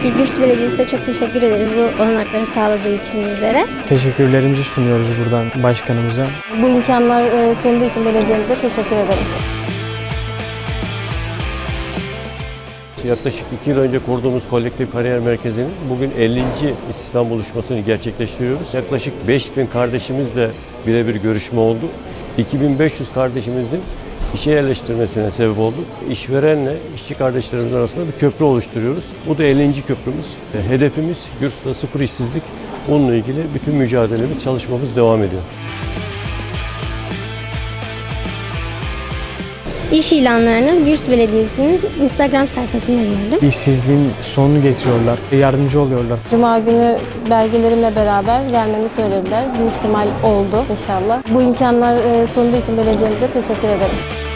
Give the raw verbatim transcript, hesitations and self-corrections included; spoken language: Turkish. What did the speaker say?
Öncelikle Gürs Belediyesi'ne çok teşekkür ederiz bu olanakları sağladığı için bizlere. Teşekkürlerimizi sunuyoruz buradan başkanımıza. Bu imkanlar sunduğu için belediyemize teşekkür ederim. Yaklaşık iki yıl önce kurduğumuz kolektif kariyer merkezinin bugün ellinci istihdam buluşmasını gerçekleştiriyoruz. Yaklaşık beş bin kardeşimizle birebir görüşme oldu. iki bin beş yüz kardeşimizin işe yerleştirmesine sebep olduk. İşverenle işçi kardeşlerimiz arasında bir köprü oluşturuyoruz. Bu da ellinci köprümüz. Hedefimiz Gürs'te sıfır işsizlik. Bununla ilgili bütün mücadelemiz, çalışmamız devam ediyor. İş ilanlarını Gürs Belediyesi'nin Instagram sayfasında gördüm. İşsizliğin sonunu getiriyorlar, yardımcı oluyorlar. Cuma günü belgelerimle beraber gelmemi söylediler. Büyük ihtimal oldu inşallah. Bu imkanlar sunduğu için belediyemize teşekkür ederim.